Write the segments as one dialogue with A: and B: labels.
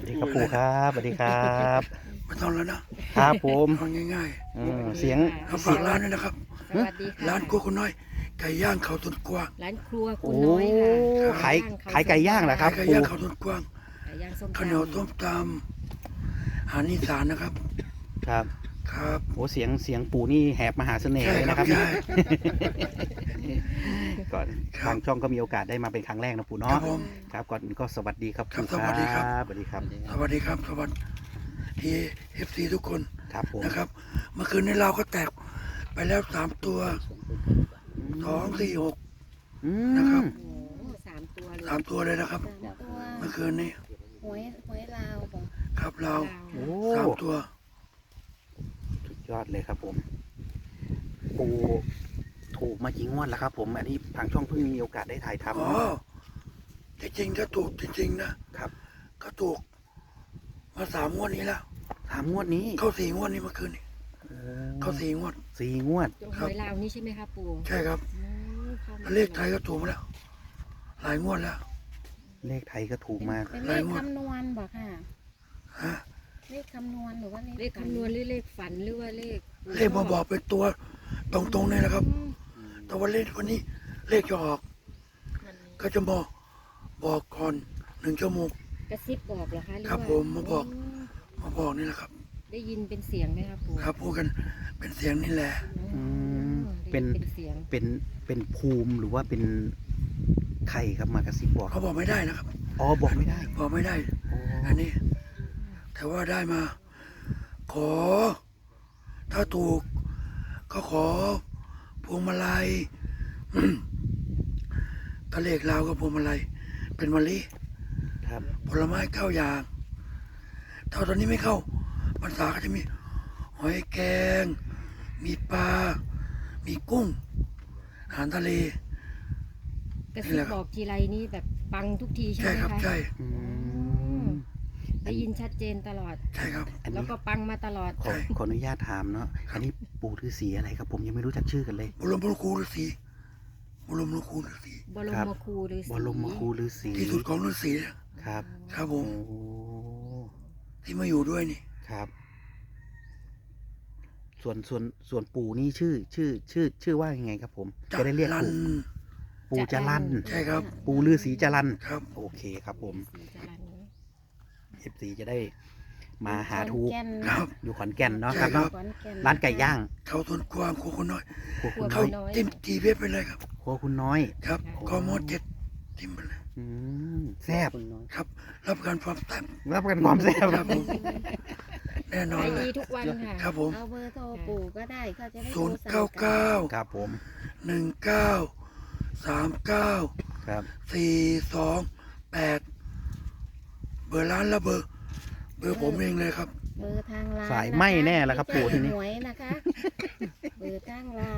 A: สวัสดีครับปู่ครับสวัสดีครับ
B: ไม่ต้องแล้วนะครับ
A: ผม
B: เอาง่าย
A: เสียง
B: ๆเอาฝากร้านด้วยนะครับ
C: สวัสดีค่ะ
B: ร้านครัวคุณน้อยไก่ย่างเขาต้นกวาง
C: ร้านครัวคุ
A: โอ้
C: ณน้อยค่ะ
A: ขายไก่ย่างเหรอครับ
B: ไก่
A: ปู่
B: ย่างเขาต้นกวาง
C: ไก่ย่างส้ม
B: ข้าวเหนียวต้มตำอาหารอีสานนะครับ
A: ครับ
B: ครับ
A: โอ้เสียงปู่นี่แหบมหาเสน่ห์
B: ใช่
A: เลย
B: ครั
A: นะครับ
B: ใช่
A: ก่อน
B: ครับ
A: ทางช่องก็มีโอกาสได้มาเป็นครั้งแรกนะปู่
B: ครั
A: เนาะ
B: บผม
A: ครับก่อนอื่นก็สวัสดีครับ
B: ครับ
A: ปู่
B: สวัสดีครับ
A: สวัสดีครับ
B: สวัสดีครับสวัสดีเอฟซีทุกคน
A: ครับผม
B: นะครับ เมื่อคืนนี้เราก็แตกไปแล้ว3 ตัว2 4 6
A: อื
B: นะครับ
A: ม
C: โอ้โห3 ตัวเลย
B: 3 ตัวเลยนะครับ
D: 3 ตัว
B: เมื่อคืนนี้
D: หวยลาวบอก
B: ครับเรา
A: โอ้
B: 3 ตัว
A: สุดยอดเลยครับผม ปู่ถูกมากี่งวดแล้วครับ ผมอันนี้ทางช่องเพิ่งมีโอกาสได้ถ่ายทำ
B: อ๋อจริงๆถ้าถูกจริงๆนะครับ ก็ถูกมา3 งวดนี้แล้ว
A: 3 งวดนี้
B: เข้า4 งวดนี้เมื่อคืนนี้
A: โอ้
B: เข้า4 งวด
A: 4 งวด
C: ตรงหวยลาวนี่ใช่ไหมคะปู่
B: ใช่ครับ
C: อืมข้ามา
B: แล้วเลขไทยก็ถูกมาแล้ว หลายงวดแล้ว
A: เลขไทยก็ถูกมา
D: เป็นเลขคำนวณบอกค่ะ
B: ฮะ
D: เลขคำนวณหรือว่า
C: เลขคำนวณหรือเลขฝันหรือว่าเลข
B: เลขมาบอกเป็นตัวตรงๆเลยนะครับ แต่ว่าเลขวันนี้เลขจะออก ก็จะบอกก่อน1 ชั่วโมง
C: กระซิบบอกเหรอคะหรือ
B: ครับ
C: ว่า
B: ผมมาบอก
C: โ
B: มาบอกนี่แหละครับ
C: ได้ยินเป็นเสียงไหมคะปู่
B: ครับพูดกันเป็นเสียงนี่แหละ
C: อืม
A: เป็น
C: ได้ยิเป็นเสียง
A: เป็นภูมิหรือว่าเป็นใครครับมากระซิบบอก
B: เขาบอกไม่ได้นะครับ
A: อ๋อบอกไม่ได้
B: บอกไม่ได้
A: อ๋อ
B: อันนี้ แต่ว่าได้มา ขอ ถ้าถูก ก็ขอพวงมาลัย ก็เลขลาวก็พวงมาลัยเป็นมะลิ
A: ครับ
B: ผลไม้9 อย่างถ้าตอนนี้ไม่เข้าพรรษาก็จะมี หอยแกง มีปลา มีกุ้ง อาหารทะเล
C: กระซิบบอกทีไรนี่แบบปังทุกทีใช่
B: ใช่
C: ไหม
B: ครับ
C: คะ
B: ใช่
A: อืม
C: ได้ยินชัดเจนตลอด
B: ใช่ครับ
A: อัน
C: แล้ว
A: นี้
C: ก็ปังมาตลอด
A: ขออนุญาตถามเนาะอันนี้ปู่ฤาษีอะไรครับ ผมยังไม่รู้จักชื่อกันเลย
B: บรมครูฤาษีบรมครูฤาษี
C: บรมครูฤาษี
A: บรมครูฤาษี
B: ที่สุดของฤาษี
A: ครับ
B: ครับผ
A: โอ้
B: ม ที่มาอยู่ด้วยนี่
A: ครับ ส่วนปู่นี่ชื่อว่ายังไงครับ ผมจะได้เรียก
B: ลัน
A: ปู่จรัน
B: ใช่ครับ
A: ปู่ฤาษีจรัน
B: ครับ
A: โอเคครับผม
C: ศรีจรัญเนอะ
A: FC จะได้มาหาถูก
D: ขอนแก่น
B: ครับ
A: อยู่ขอนแก่นเนาะ
B: ใช่
A: ครับ
B: ครั
A: เนาะ
B: บ
D: ขอนแก่น
A: ร้านไก่ย่าง
B: เขาต้นกวางครัวคนน้อย
A: ครัวคุณ
B: เขา
A: น้อย
B: จิ้มจีเพชรไปเลยครับ
A: ครัวคุณน้อย
B: ครับกม7จิ้มไปเลย
A: แซ่บ
B: ครับ รับประกันความแซ่บ
A: รับประกันความแซ่บ
B: ครับผมแน่นอน
C: ขาย
B: เล
C: ดี
B: ย
C: ทุกวันค่ะ
B: ครับผม
D: เอาเบอร์โทรปู่ก็ได้เขาจะได้
B: 0
D: โทรสั่งกัน
B: 9 9
A: ครับผม
B: 1 9 3 9
A: ครับ
B: 4 2 8 เบอร์ร้านและเบอร์ผมเองเลยครับ
D: เบอร์ทางร้าน
A: สายไหม้แน่แล้วครับปู่ทีนี้
D: หวยนะคะ เบอร์ทางร้าน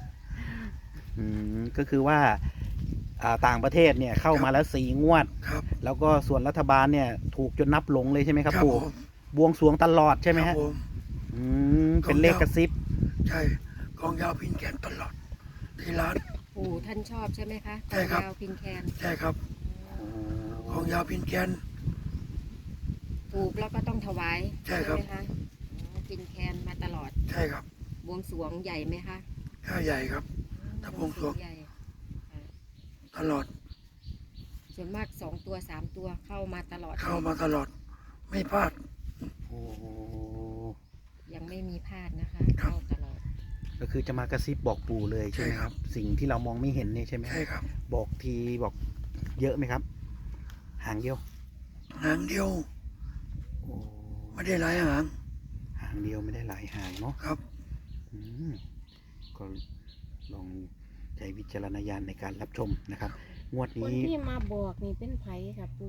A: ก็คือว่าต่างประเทศเนี่ยเข้ามาแล้ว4 งวด
B: ครับ
A: แล้วก็ส่วนรัฐบาลเนี่ยถูกจนนับหลงเลยใช่ไหมครับ
B: ครับ
A: ปู่
B: ผม
A: บวงสรวงตลอดใช่ไหม
B: ครั
A: ฮะ
B: บผม
A: เป็นเลขกระซิบ
B: ใช่กองยาวพินแกนตลอด ที่ร้าน
C: ปู่ท่านชอบใช่ไหมคะ
B: ใช่ครับ
C: ยาวพินแคน
B: ใช่ครับกองยาวพินแกน
C: ถูกแล้วก็ต้องถวาย
B: ใช่ครับ
C: ไหมคะอ๋อพินแคนมาตลอด
B: ใช่ครับ
C: บวงสรวงใหญ่ไหมคะ
B: ข้าใหญ่ครับ ถ้าบวงสรวง
C: ใหญ่ค่ะ
B: ตลอด
C: ส่วนมาก2 ตัว 3 ตัวเข้ามาตลอด
B: เข้ามาตลอด ไม่พลาด
A: โอ้
C: ยังไม่มีพลาดนะคะ
B: ครับ
C: เข้าตลอด
A: ก็คือจะมากระซิบบอกปู่เลยใช่ไหม
B: ใช่
A: ค
B: ครั
A: รับ
B: บ
A: สิ่งที่เรามองไม่เห็นเนี่ยใช่ไหม
B: ใช่ครับ
A: บอกทีบอกเยอะไหมครับ หางเดียว
B: หางเดียว
A: โอ้
B: ไม่ได้หลายหาง
A: หางเดียวไม่ได้หลายหางเนาะ
B: ครับ
A: อืมก็ลองใช้วิจารณญาณในการรับชมนะครับ งวด
D: คน
A: นี้
D: ที่มาบอกนี่เป็นไผค่ะปู่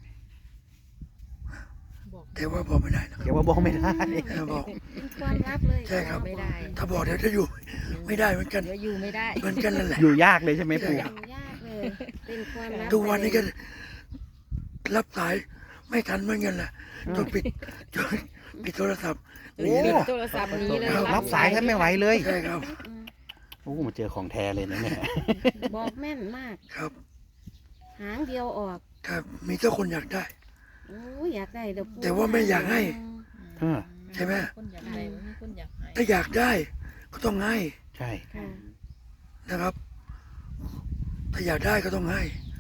D: บอก
B: แต่ว่าบอกไม่ได้นะ
A: เดี๋ยวว่าบอกไม่ได้
B: บอก
D: เป็นความลับเลย
B: ใช่ครับ
C: ไม่ได้
B: ถ้าบอกเดี๋ยวจะอยู่ ไม่ได้เหมือนกัน
C: เดี๋ยวอยู่ไม่ได้
B: เหมือนกันนั่นแหละ
A: อยู่ยากเลยใช่ไหมปู่
B: ใช่ครับ
D: ยากเลย เป็นความลับ
B: ทุกวันนี้ก็รับสายไม่ทันเหมือนกันแหละจนปิดโทรศัพท์ห
A: โอ้
B: นีเลย
C: โทรศัพท์นี้เลย
A: รับสายแทบไม่ไหวเลย
B: ใช่ครับ
D: อืม
A: โอ้มาเจอของแท้เลยนะเนี่ย
D: บอกแม่นมาก
B: ครับ
D: หางเดียวออก
B: ครับ มีเจ้าคนอยากได้
D: โอ้ยอยากได้เดี๋ยวปู
B: แต่ว่าไม่อยากให้
A: เออ
B: ใช่ไหม
E: คนอยากได้บ่มีคนอยากให้
B: ถ้าอยากได้ก็ต้องให้
A: ใช่
D: ค่ะ
B: นะครับ ถ้าอยากได้ก็ต้องให้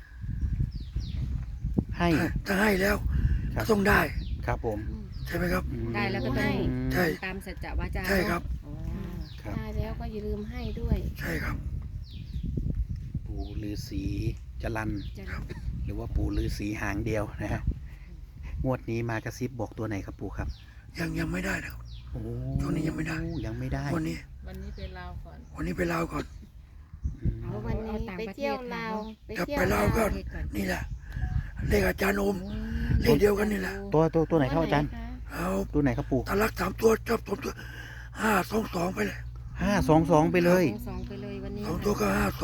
A: ให้
B: ถ้าให้แล้ว
A: ครั
B: ก็
A: บ
B: ต้องได้
A: ครับผม
B: ใช่ไหมครับ
A: อืม
C: ได้แล้วก็ต้อง
B: ใช่
C: ตามสัจจะวาจา
B: ใช่ครับ
C: อ๋อ
A: ครับ
D: ได้แล้วก็อย่าลืมให้ด้วย
B: ใช่ครับ
A: ปู่ฤาษีจรัน
C: จะ
A: หรือว่าปู่ฤาษีหางเดียวนะฮะงวดนี้มากระซิบบอกตัวไหนครับปู่ครับ
B: ยังไม่ได้นะครับ
A: โอ้
B: ช่วงนี้ยังไม่ได้
A: ยังไม่ได้
B: วันนี้
E: วันนี้ไปลาวก่อน
B: วันนี้ไปลาวก่อน
A: อืม
D: เอาวันนี้
C: ต่าง
D: ไป
C: ประเท
D: เที่ยว
C: ศ
D: ลาวไป
B: จะ
D: เที่ยว
B: ไปลาวก็
C: ประเทศก่อน
B: นี่แหละเลขอาจารย์โอม เลขเดียวกันนี่แหละ
A: ตัวไหนครับอาจารย์
D: วันไหนคะ
B: เอา
A: ตัวไหนครับปู่
B: ตาลัก3 ตัวชอบ2 ตัว5 2 2ไปเลย
A: 522ไปเลย
C: สองไปเลยวันนี้
B: 2 ตัวก็5 2 2 2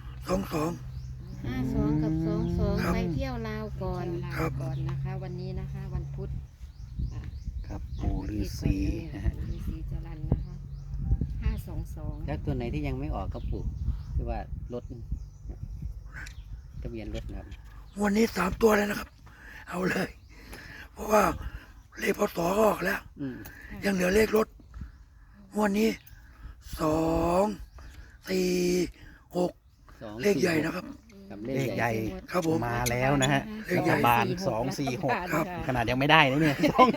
D: 52กับ22
B: ครับ
D: ไปเที่ยวลาวก่อน
C: ลา
B: ครับ
C: ก่อนนะคะ วันนี้นะคะ วันพุธอ่ะ
A: ครับปู่ฤาษีนะฮะ
C: ปู่ฤาษีจรัญนะคะ522
F: แล้วตัวไหนที่ยังไม่ออกครับปู่คือว่ารถทะเบียนรถนะครับ
B: วันนี้3 ตัวเลยนะครับ เอาเลย เพราะว่าเลขพศก็ออกแล้ว
F: อืม
B: ยังเหลือเลขรถงวันนี้2 4 6
F: 2
B: เลขใหญ่นะครับ
F: กับ
A: เลขใหญ่
B: ครับผม
A: มาแล้วนะฮะ
B: เลขใหญ่
A: รัฐบาล246 ครับ ขนาดยังไม่ได้นะเนี่ย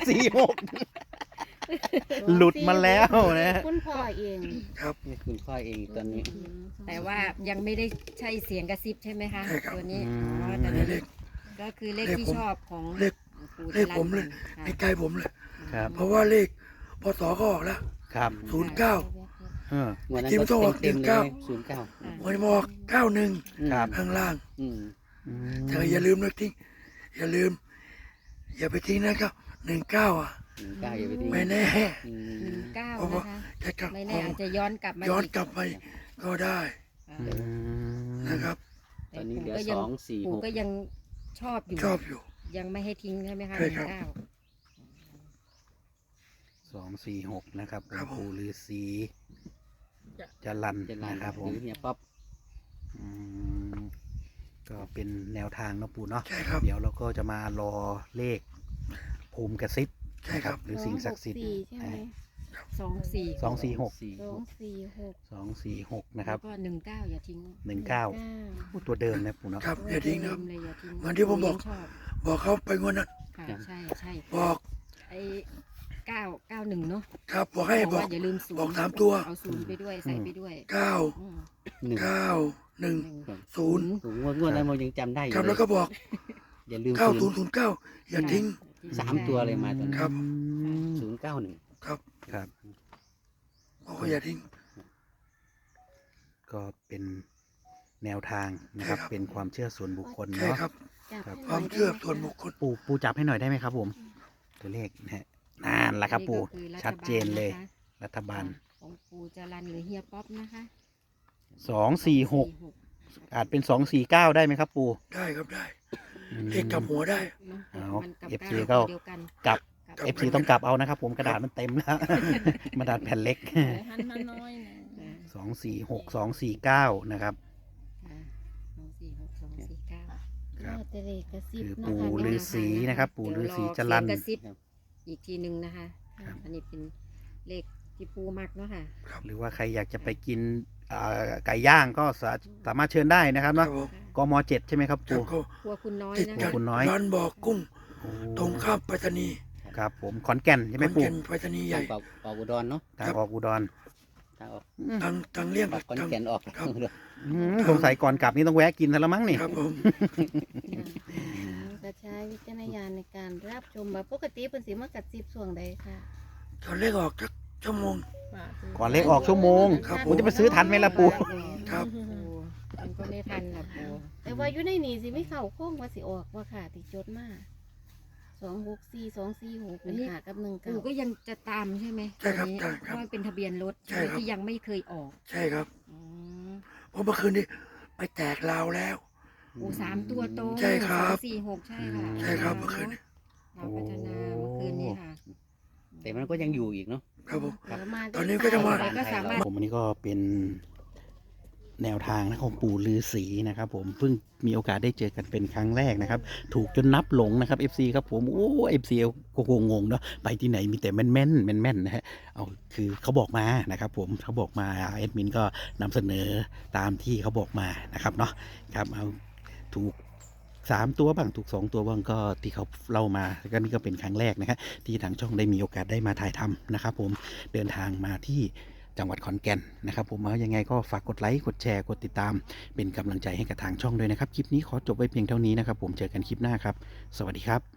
A: 246 หลุดมาแล้วนะ
D: คุณพ่อเอง
B: ครับ
F: นี่คุณพ่อเองตอนนี้
C: แต่ว่ายังไม่ได้ใช่เสียงกระซิบใช่ไหมคะ
B: ใช่ครับ
C: ตัวนี้
A: อืม
C: อ๋อแต่
B: อันนี้เลข
C: ก็คือเลข
B: เลข
C: ที่
B: ผม
C: ชอบของ
B: เลข
C: ปู่
B: เลขผมเลย
C: ค่ะ
B: ในใจผมเลย
A: ครับ
B: เพราะว่าเลขพศก็ออกแล้ว
A: ครับ
B: 09
A: เออ
F: วันนั้น
B: ทีม
F: ก็
B: ต้องออก
F: เต็มๆเลย
B: 19
F: 09
B: วันนี้มาออก91
A: ครับ
B: ข้างล่าง
F: อืม
A: อืม
B: แต่ก็อย่าลืมนะทิ้งอย่าลืม อย่าไปทิ้งนะครับ19อ่ะ
F: 19อย่าไปทิ้ง
B: ไม่แน่
F: อืม
C: 19
B: เพราะว่า
C: นะคะ
B: จะกลับ
C: ไม่แน่อาจจะย้อนกลับมา
B: ย้อน
C: อีก
B: กลับไปก็ได้
C: อ่า
A: อืม
B: นะครับ
F: ตอนนี้เหลือ
C: ปู่ก็ยัง
F: 2 4
C: ปู่ก็
F: 6
C: ยังชอบอยู่
B: ชอบอยู่
C: ยังไม่ให้ทิ้งใช่ไหมคะ
B: ใช่ครับ
A: 246 นะครับ
B: ครับผม
A: ปู่ฤาษีจรัน
F: จะลา
A: นะครับผ
F: ห
A: ม
F: รือเนี่ยป๊อป
A: อืมก็เป็นแนวทางเนาะปู่เนาะ
B: ใช่ครับ
A: เดี๋ยวเราก็จะมารอเลขภูมิกระซิบ
B: ใช่ครับ
A: หรือสิ่งศักดิ์สิทธิ์
D: 264ใช่ไหม
C: 24
A: 246
D: 246
A: นะครับ
C: แล้วก็19อย่าทิ้ง
A: 19พูดตัวเดิมนะปู่เนาะ
B: ครับอย่าทิ้งนะครับ
C: เลยอย่าทิ้ง
B: เหมือนที่ผมบอก
C: ชอบ
B: บอกเขาไปงวดนั้น
C: ค่ะใช่ใช่
B: บอก
C: ไอ้991เนาะ
B: ครับบอกให้บอก
C: ว่าอย่าลืมศูนย์
B: บอก3 ตัว
C: เอาศูนย์ไปด้วยใส่ไปด้วย
B: 9
C: อืม
B: 9
C: หนึ่ง
B: 1 0
F: ผมงวดนั้นเรายังจำได้อยู่
B: ครับ
F: เล
B: แล้ว
F: ย
B: ก็บอก
F: อย่าลืมศูนย์
B: 9009 อย่าทิ้ง
F: 3 ตัวเลยมาตอน
B: ครับ
F: 091
B: ครับ
A: ครับ
B: บอกว่าอย่าทิ้ง
A: ก็เป็นแนวทางนะครับ
B: ใช่ครับ
A: เป็นความเชื่อส่วนบุคคล
B: ใช่
A: เนาะ
B: ครับ
D: จับให้ห
B: ความ
D: น่ย
B: เชื่อ
D: ได้ไห
B: ส่วนบุคคล
A: ปู่จับให้หน่อยได้ไหมครับ ผม ตัวเลขนะฮะนั่นแหละครับ ปู่
C: นี่ก็คือรัฐบาล
A: ชัดเจนเลย
C: นะคะ
A: รัฐบาล
C: ของปู่จรันหรือเฮียป๊อปนะคะ
A: 246 อาจเป็น249ได้ไหมครับ ปู่
B: ได้ครับได้
A: อืม
B: เลขกลับหัวได้
C: เนอะ
A: เอา
C: มันกับ
A: FC
C: เก้า
A: ก็
C: ตัวเดียวกัน
A: กลับ
C: กับ
A: FC ต้องกลับเอานะครับ ผมกระดาษมันเต็มแล้ว กระดาษแผ่นเล็ก
E: หันมาน้อยหนึง
A: 246 249 นะครับ
C: ค่ะ246 249
A: ครับ
D: แต่เลขกระซิบ
A: คือ
D: เนาะ
A: ปู่
D: ค่ะ
A: ฤาษีนะครับ ปู่ฤาษีจรัน
C: เดี๋ยวอเสียงกระซิบอีกทีหนึ่งนะคะ
A: ครับ
C: อันนี้เป็นเลขที่ปูมักเนาะค่ะ
A: หรือว่าใครอยากจะไปกินไก่ย่างก็สามารถเชิญได้นะครับ
B: ครั
A: เนาะ
B: บผม
A: กม7ใช่ไหมครับ
B: ครับ
A: ปู่
B: ก็
C: ครัวคุณน้อย
B: ติด
C: นะ
B: กั
C: คะ
B: บ
A: คุณน้อย
B: ร้านบ่อกุ้ง
A: โอ้
B: ตรงข้ามไปรษณีย์
A: ครับผมขอนแก่นใช่ไหม
B: ขอน
A: ปู่
B: แก่นไปรษณีย์ใหญ่
F: ทางเป่าอุดรเนาะ
A: ทางออกอุดร
F: ทางออก
B: ทางเลี่ยง
F: ออกขอน
B: ทาง
F: แก่นออก
B: ครับ
A: สงสัยก่อนกลับนี่ต้องแวะกินซะแล้วมั้งนี่
B: ครับผม
D: กระใช้วิจารณญาณในการรับชมแบบปกติเป็นสีมากระซิบส่วงใดค่ะ
B: ตอนเลขออกสักชั่วโมง
E: ฝากซื้
A: ก่อนเลขออกชั่วโมง
B: ครับ
A: ผมจะไปซื้อทันไหมล่ะปู่
B: ครับ
C: ปูมันก็ไม่ทันหรอกปู
D: แต่ว่าอยู่ในนี่สิไม่เข้าโค้งว่าสิออกว่าค่ะติจดมา264 246เป็นหากับ1
C: ปูก็ยังจะตามใช่ไหม
B: ใช่ครับ
C: ตัวนี้
B: ใช่ครับ
C: เพราะมันเป็นทะเบียนรถ
B: ใช่ครับ
C: ที่ยังไม่เคยออก
B: ใช่ครับ
C: อืม
B: เพราะเมื่อคืนนี้ไปแตกลาวแล้ว
C: ปู3 ตัวโต
B: ใช่ครับ
C: 246 ใช่ค่ะ
B: ใช่ครับเมื่อคืนนี้
C: เราพัฒนาเมื่อคืนนี้ค่ะ
F: แต่มันก็ยังอยู่อีกเนาะ
B: ครับผม
D: เดี๋ยวมา
B: ตอนนี้ก็จะมา
C: ก็สามารถ
A: ผมอันนี้ก็เป็นแนวทางนะของปู่ฤาษีนะครับผมเพิ่งมีโอกาสได้เจอกันเป็นครั้งแรกนะครับถูกจนนับหลงนะครับ FC ครับผมโอ้ FC ก็งงๆเนาะไปที่ไหนมีแต่แม่นๆนะฮะเอาคือเขาบอกมานะครับผมเขาบอกมาแอดมินก็นำเสนอตามที่เขาบอกมานะครับเนาะครับเอาถูก3 ตัวบ้างถูก2 ตัวบ้างก็ที่เขาเล่ามาก็นี่ก็เป็นครั้งแรกนะครับที่ทางช่องได้มีโอกาสได้มาถ่ายทำนะครับผมเดินทางมาที่จังหวัดขอนแก่นนะครับผมเอายังไงก็ฝากกดไลค์กดแชร์กดติดตามเป็นกำลังใจให้กับทางช่องด้วยนะครับคลิปนี้ขอจบไว้เพียงเท่านี้นะครับผมเจอกันคลิปหน้าครับสวัสดีครับ